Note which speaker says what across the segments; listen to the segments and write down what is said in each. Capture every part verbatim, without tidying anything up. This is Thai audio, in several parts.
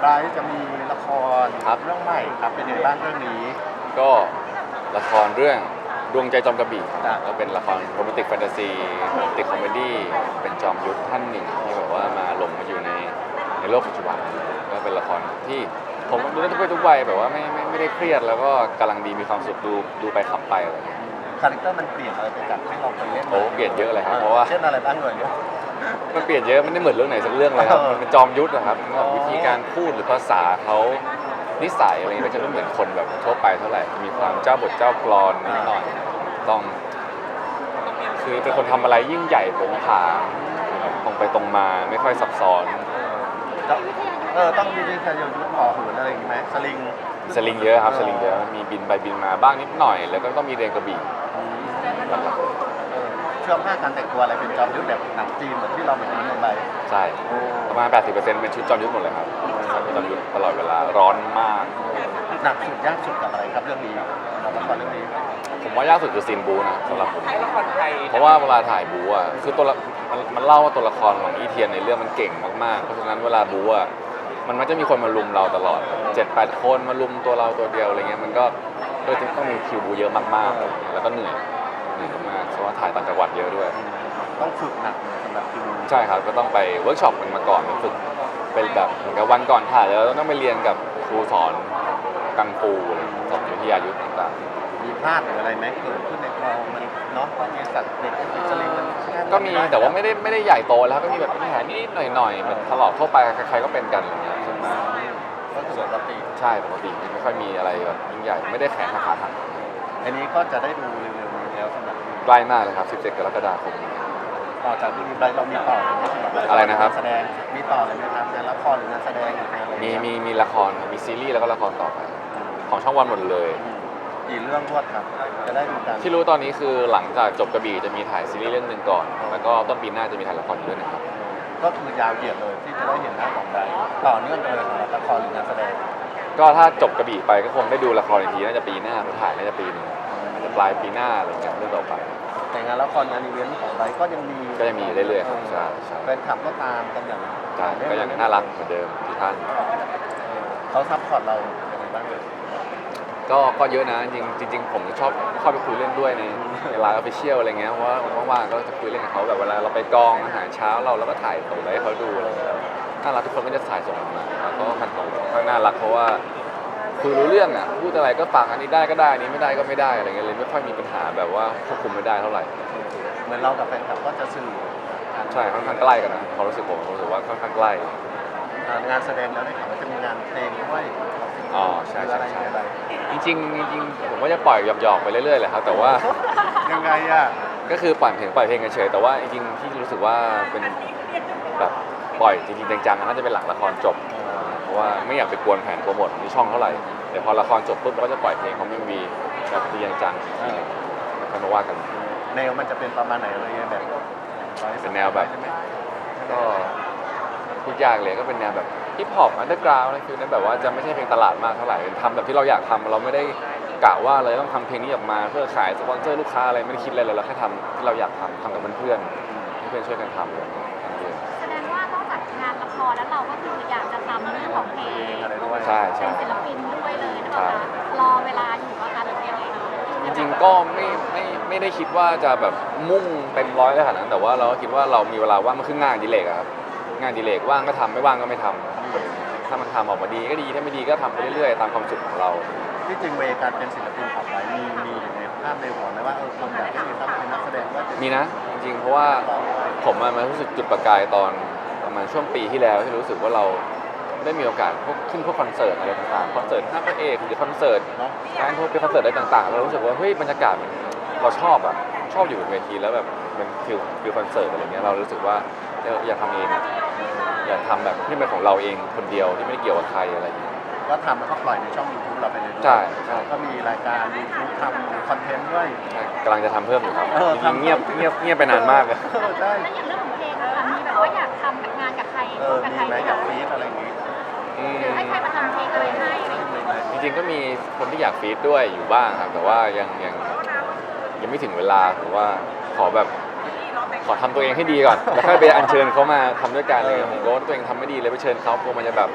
Speaker 1: ไบรท์จะมีละคร
Speaker 2: ครับ
Speaker 1: เรื่องใหม่ครับเป็นยังไงบ้างเรื่องนี้
Speaker 2: ก็ละครเรื่องดวงใจจอมกระบี่
Speaker 1: จ้ะ
Speaker 2: ก็เป็นละครโรแมนติกแฟนตาซีโรแมนติกคอมเมดี้เป็นจอมยุทธท่านหนึ่งที่แบบว่ามาหลงมาอยู่ในในโลกปัจจุบันก็เป็นละครที่ผมดูได้ทุกเพศทุกวัยแบบว่าไม่ไม่ไม่ได้เครียดแล้วก็กำลังดีมีความสุขดูดูไปขับไปอะไรอย่างเงี้ย
Speaker 1: คาแรคเตอร์มันเปลี่ยนอะไรไปจากที่เราเคยเล่น
Speaker 2: โอ้เปลี่ยนเยอะเลยครับเพราะว่า
Speaker 1: เช่นอะไรบ้างเลยเนี่ย
Speaker 2: มันเปลี่ยนเยอะไม่ได้เหมือนเรื่องไหนสักเรื่องเลยครับ
Speaker 1: เออ
Speaker 2: มันเป็นจอมยุทธนะครับ
Speaker 1: อ๋อ
Speaker 2: วิธีการพูดหรือภาษาเขานิสัยอะไรเงี้ยก็จะไม่เหมือนคนแบบทั่วไปเท่าไหร่มีความเจ้าบทเจ้ากลอนนิดหน่อยต้อง คือเป็นคนทำอะไรยิ่งใหญ่โผงผางตรงไปตรงมาไม่ค่อยซับซ้อน
Speaker 1: จะเออต้องมีวิทยายุทธ์พอหืนอะไรอย่างงี้ไหมสลิง
Speaker 2: สลิงเยอะครับสลิงเยอะมีบินไปบินมาบ้างนิดหน่อย แล้วก็ต้องมีเรียนกระบี่
Speaker 1: เออเชื่อผ้าการแต่งตัวอะไรเป็นจอมยุทธแบบหนังจีนเหมือนที่เราเห็นในใบ
Speaker 2: ใช่ประมาณ แปดสิบเปอร์เซ็นต์ เป็นชุดจอมยุทธหมดเลยครับจอมยุทธตลอดเวลาร้อนมาก
Speaker 1: หนักสุดยากสุดกับอะไรครับเรื่องนี้เราละครเรื่องนี้
Speaker 2: ผมว่ายากสุดคือซีนบูนะสำหรับผมเพราะว่าเวลาถ่ายบูอ่ะคือตัวละมันมันเล่าว่าตัวละครของอีเทียนในเรื่องมันเก่งมากๆเพราะฉะนั้นเวลาบูอ่ะมันมันจะมีคนมาลุมเราตลอด เจ็ดแปด คนมาลุมตัวเราตัวเดียวอะไรเงี้ยมันก็เลยต้องมีคิวบูเยอะมากๆแล้วก็เหนื่อยเหนื่อยมากเพราะว่าถ่ายต่างจังหวัดเยอะด้วย
Speaker 1: ต้องฝึกหนักเลยสำหรับคิว
Speaker 2: ใช่ครับก็ต้องไปเวิร์กช็อปกันมาก่อนฝึกเป็นแบบเหมือนกับวันก่อนถ่ายแล้วต้องไปเรียนกับครูสอนกังฟูอะไรสอนวิทยายุทธ์ต่างๆ
Speaker 1: มีพลาดหรืออะไรไหมเกิดขึ้นในกองมันเนาะต้องมีสัตว์เด็กสลิงมัน
Speaker 2: ก็มีแต่ว่าไม่ได้ไม่ได้ใหญ่โตแล้วก็มีแบบแผลนิดๆหน่อยๆแบบถลอกทั่วไปใครๆก็เป็นกันอะไรเงี้ยส่วนมาก
Speaker 1: ก็คือปกติ
Speaker 2: ใช่ปกติไม่ค่อยมีอะไรแบบยิ่งใหญ่ไม่ได้แขนหักขาหัก
Speaker 1: อันนี้ก็จะได้ดูเร็วๆนี้แล้วสำหรับ
Speaker 2: ใกล้มากเลยครับสิบเจ็ดกรกฎาคม
Speaker 1: ต่อจากที่มีไบรท์เรามีต่อเลยไหมสำห
Speaker 2: อะไรนะครับ
Speaker 1: งาแสดงมีต่อเลยไหมครับงานละครหรืองานแสดงหรืองานอะไร
Speaker 2: มีมีมีละครมีซีรีส์แล้วก็ละครต่อไปของช่องวันหมดเลย
Speaker 1: กี่เรื่องรวดครับจะได้ดูกัน
Speaker 2: ที่รู้ตอนนี้คือหลังจากจบกระบี่จะมีถ่ายซีรีส์เรื่องหนึ่งก่อน แล้วก็ต้นปีหน้าจะมีถ่ายละครอีกเรื่องหนึงครับ
Speaker 1: ก็คือยาวเหยียดเลยที่จะได้เห็นหน้าของไบรท์ต่อเนื่องกันเลยสำหรับละครหรืองานแสดง
Speaker 2: ก็ถ้าจบกระบี่ไปก็คงได้ดูละครอีกทีน่าจะปีหน้าเพราะถ่ายน่าจะปีหนึงอาจจะปลายปีหน้าอะไรเงี้ยเรื่องต่อไป
Speaker 1: แต่งานละครงานอีเวนต์ของไบรท์ก็ยังมี
Speaker 2: ก็ยังมีเรื่อยๆครับใช่ใช่
Speaker 1: แฟนคลับก็ตามกันอย่าง
Speaker 2: ใช่ก็ยังน่ารักเหมือนเดิมทุกท่าน
Speaker 1: เขาซัพพอร์ตเราอย่างไรบ้างเลย
Speaker 2: ก็ก็เยอะนะจริงจริงๆผมชอบเข้าไปคุยเล่นด้วยในในไลน์ออฟฟิเชียลอะไรเงี้ยเพราะว่าว่างๆก็จะคุยเล่นกับเขาแบบเวลาเราไปกองอาหารเช้าเราเราก็ถ่ายส่งไปให้เขาดูอะไรเงี้ยน่ารักทุกคนก็จะถ่ายส่งมาแล้วก็คันของค่อนข้างน่ารักเพราะว่าคุยรู้เรื่องอ่ะพูดอะไรก็ฟังอันนี้ได้ก็ได้อันนี้ไม่ได้ก็ไม่ได้อะไรเงี้ยเลยไม่ค่อยมีปัญหาแบบว่าควบคุมไม่ได้เท่าไหร่
Speaker 1: เหมือนเรากับแฟนคลับก็จะสื่อกัน
Speaker 2: ใช่ค่อนข้างใกล้กันนะความรู้สึกผมผมรู้สึกว่าค่อนข้างใกล้
Speaker 1: อ่างานแสดงแล้วได้ข่าวว่าจะมีงานเพลงด้วย
Speaker 2: อ๋อใช่ใช่
Speaker 1: อะไร
Speaker 2: ใช่
Speaker 1: อะไร
Speaker 2: จริงๆจริงๆผมก็จะปล่อยหยอกๆไปเรื่อยๆแหละครับแต่ว่า
Speaker 1: ยังไงอ่ะ
Speaker 2: ก็คือปล่อยเพลงปล่อยเพลงเฉยๆแต่ว่าจริงๆที่รู้สึกว่าเป็นแบบปล่อยจริงๆจังๆน่าจะเป็นหลังละครจบเพราะว่าไม่อยากไปกวนแผนโปรโมทที่ช่องเท่าไหร่แต่พอละครจบปุ๊บเราก็จะปล่อยเพลงของมิวีแบบจริงจังๆอีกทีหนึ่งแล้วค่อยมาว่ากัน
Speaker 1: แนวมันจะเป็นประมาณไหนอะไรเงี้ยแบบ
Speaker 2: เป็นแนวแบบ
Speaker 1: ใช่ไหม
Speaker 2: ก็พูดยากเลยก็เป็นแนวแบบฮิปฮอปอันเดอร์กราวด์อะไรคือนั้นแบบว่าจะไม่ใช่เพลงตลาดมากเท่าไหร่เป็นทำแบบที่เราอยากทำเราไม่ได้กะว่าเลยต้องทำเพลงนี้ออกมาเพื่อขายสปอนเซอร์ลูกค้าอะไรไม่ได้คิดอะไรเลยเราแค่ทำที่เราอยากทำทำกับเพื่อนๆให้เพื่อนช่วยกันทำอะไรอย่างเงี้ยทำเอง
Speaker 3: แสดงว่านอกจากงานละครแล้วเราก็คืออยากจะทำเรื่องของเพลง
Speaker 1: อะไรด้วย
Speaker 2: ใช่
Speaker 3: เป็
Speaker 2: ใช่
Speaker 3: นศิลปินด้วยเลยนะคะรอเวลาอยู่ว่าคะหรือยังไงคะ
Speaker 2: จริงๆก็ไม่ไม่ไม่ได้คิดว่าจะแบบมุ่งเต็มร้อยขนาดนั้นแต่ว่าเราก็คิดว่าเรามีเวลาว่างมันคืองานอดิเรกอะครับงานอดิเรกว่างก็ทำไม่ว่างก็ไม่ทำถ้ามันทำออกมาดีก็ดีถ้าไม่ดีก็ทำไปเรื่อยๆตามความสุขของเรา
Speaker 1: ที่จริงเวการเป็นศิลปินของไบรท์มีมีอยู่ในภาพในหัวไหมว่าเออคนอยากให้มีตั้งเป็นนักแสดงว่าจะ
Speaker 2: มีนะจริงๆเพราะว่าผมอะมารู้สึกจุดประกายตอนประมาณช่วงปีที่แล้วที่รู้สึกว่าเราได้มีโอกาสพวกขึ้นพวกคอนเสิร์ตอะไรต่างๆคอนเสิร์ตห้าพระเอกหรือคอนเสิร์ต
Speaker 1: เนาะ
Speaker 2: งานพวกเป็นคอนเสิร์ตอะไรต่างๆเรารู้สึกว่าเฮ้ยบรรยากาศมันเราชอบอะชอบอยู่บนเวทีแล้วแบบมันฟิลฟิลคอนเสิร์ตอะไรเงี้ยเรารู้สึกว่าเอออยากทำเองอะอยากทำแบบที่เป็นของเราเองคนเดียวที่ไม่ได้เกี่ยวกับใครอะไรอย่างเงี้ย
Speaker 1: ก็ทำแล้วก็ปล่อยในช่อง YouTube เราไปเลยด้วย
Speaker 2: ใช่ใช่
Speaker 1: ก็มีรายการ YouTube ทำคอนเทนต์ด้วย
Speaker 2: กำลังจะทำเพิ่มอยู่ครับ
Speaker 1: เออ
Speaker 2: จริงๆเงียบเงียบเงียบไปนานมากเลย
Speaker 1: เออใช่
Speaker 3: แล้วอย่างเรื่องของเพลงอะค่ะมีแบบว่าอยากทำงานกับใคร
Speaker 1: เออ
Speaker 3: กับ
Speaker 1: มี
Speaker 3: ใคร
Speaker 1: ไหม
Speaker 3: ไหม
Speaker 1: อยาก
Speaker 3: คะ
Speaker 1: ฟีดอะไรอย่างงี้
Speaker 2: อืม
Speaker 3: หรือให้ใครมาทำเพลงอะไรให้อะไรอย่างเงี้ย
Speaker 2: จริงๆก็มีคนที่อยากฟีดด้วยอยู่บ้างครับแต่ว่ายังยังยังไม่ถึงเวลาผมว่าขอแบบขอทำตัวเองให้ดีก่อนแล้วค่อยไปอัญเชิญเขามาทำด้วยกันเลยผมก็ว่าตัวเองทำไม่ดีเลยไปเชิญเขากลัวมันจะแบบ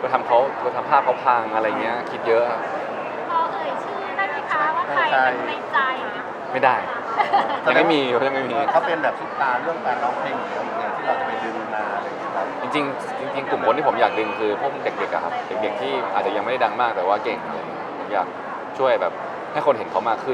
Speaker 2: ไปทำเขาไปทำภาพเขาพังอะไรเงี้ยคิดเยอะครับ
Speaker 3: พอเอ่ยชื่อได้ไหมคะว่าใครเป็นในใจ
Speaker 2: ไม่ได้ยังไม่มียังไม่มี
Speaker 1: เขาเป็นแบบซุปตาเรื่องการร้องเพลงอยู่แล้วอย่างที่เราจะไปดึงมาอะไรอย่างเงี้ยครับ
Speaker 2: จริงๆจริงๆกลุ่มคนที่ผมอยากดึงคือพวกเด็กๆอะครับเด็กๆที่อาจจะยังไม่ได้ดังมากแต่ว่าเก่งอะไรเงี้ยผมอยากช่วยแบบให้คนเห็นเขามากขึ้น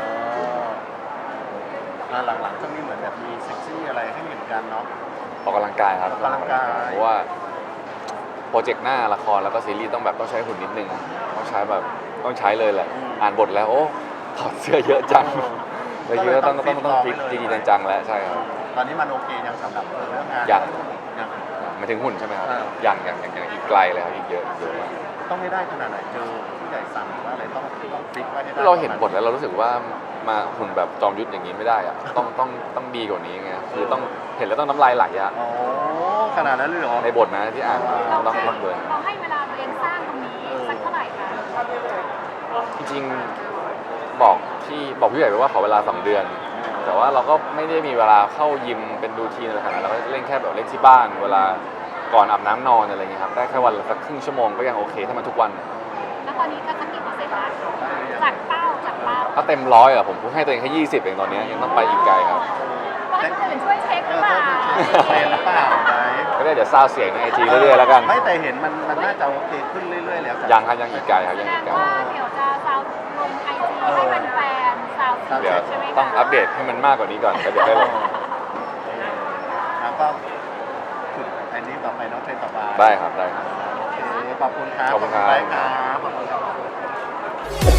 Speaker 1: อ่าหลังๆช่วงนี้เหมือนแบบมีเซ็กซี่อะไรให้เห็นกันเนาะ
Speaker 2: ออกกำลังกายครับ
Speaker 1: ออกกำลังกาย
Speaker 2: เพราะว่าโปรเจกต์หน้าละครแล้วก็ซีรีส์ต้องแบบต้องใช้หุ่นนิดนึงต้องใช้แบบต้องใช้เลยแหละอ่านบทแล้วโอ้ถอดเสื้อเยอะจังเลยคิดว่าต้องต้องต้องฟิตจริงๆจังๆแล้วใช่ครับ
Speaker 1: ตอนนี้มันโอเคยังสำหรับเรื่องงาน
Speaker 2: ยัง
Speaker 1: ยัง
Speaker 2: หมายถึงหุ่นใช่ไหมครับ
Speaker 1: อ่า
Speaker 2: ยังยังยังยังอีกไกลเลยครับอีกเยอะอีกเยอะมาก
Speaker 1: ต้องให้ได้ขนาดไหนเจอผู้ใหญ่สั่งหรือว่าอะไรต้องต้องฟิกไว้ให้ได้
Speaker 2: เราเห็นบทแล้วเรารู้สึกว่ามาหุ่นแบบจอมยุทธอย่างนี้ไม่ได้อะต้องต้องต้องดีกว่านี้ไงคือต้องเห็นแล้วต้องน้ำลายไหลอะ
Speaker 1: อ๋อขนาดนั้นเลยเหรอ
Speaker 2: ในบทนะที่อ่านมา
Speaker 3: เรา
Speaker 2: ต้อง
Speaker 3: ให้
Speaker 2: ต้องเบิร์น
Speaker 3: เราให้เวลาตัวเองสร้างตรงนี้สักเท่าไหร่คะ
Speaker 2: จริงๆบอกที่บอกพี่ใหญ่ไปว่าขอเวลาสองเดือน แต่ว่าเราก็ไม่ได้มีเวลาเข้ายิมเป็นรูทีนอะไรขนาดนั้นเราก็เล่นแค่แบบเล่นที่บ้าน เวลาก่อนอาบน้ำนอนอะไรเงี้ยครับได้แค่วันละสักครึ่งชั่วโมงก็ยังโอเคถ้ามันทุกวัน
Speaker 3: แล้วตอนนี้ก็สักกี่เปอร์เซ็นต์ละจากเป้าจากเป้า
Speaker 2: ถ้าเต็มร้อยอะผมพูดให้ตัวเองแค่ยี่สิบเองตอนนี้ยังต้องไปอีกไกลครับ
Speaker 3: ต้องให้คนอื่นช่วยเช็คห
Speaker 1: เอ
Speaker 3: รือ
Speaker 1: อ
Speaker 3: เปล่า
Speaker 1: ต้องเทรนหรือเปล่าไหม
Speaker 2: ก็ได้เดี๋ยวซาวเสียงในไอจีเรื่อยๆแล้วกัน
Speaker 1: ไม่แต่เห็นมันมันน่าจะโอเคขึ้นเรื่อยๆแล้ว
Speaker 2: ยังครับยังอีกไกลครับ
Speaker 3: แส
Speaker 2: ยัง
Speaker 3: ด
Speaker 2: อี
Speaker 3: ง
Speaker 2: กไกล
Speaker 3: ว่าเดี๋ยวจะซาวลงไอจีให้แฟนๆซาว
Speaker 2: เดี๋ยว
Speaker 3: ใช่ไหมคะ
Speaker 2: ต้องอัปเดตให้มันมากกว่านี้ก่อนแล้วเดี๋ยวได้ลง
Speaker 1: แล้วก็ฝึกอันนี้ต่อไปเน้องเทรนต่อไป
Speaker 2: ได้ครับได้ครับ
Speaker 1: โอเคขอบคุณครับ
Speaker 2: ขอบคุณครับ
Speaker 1: ได้ครับขอบคุณครับ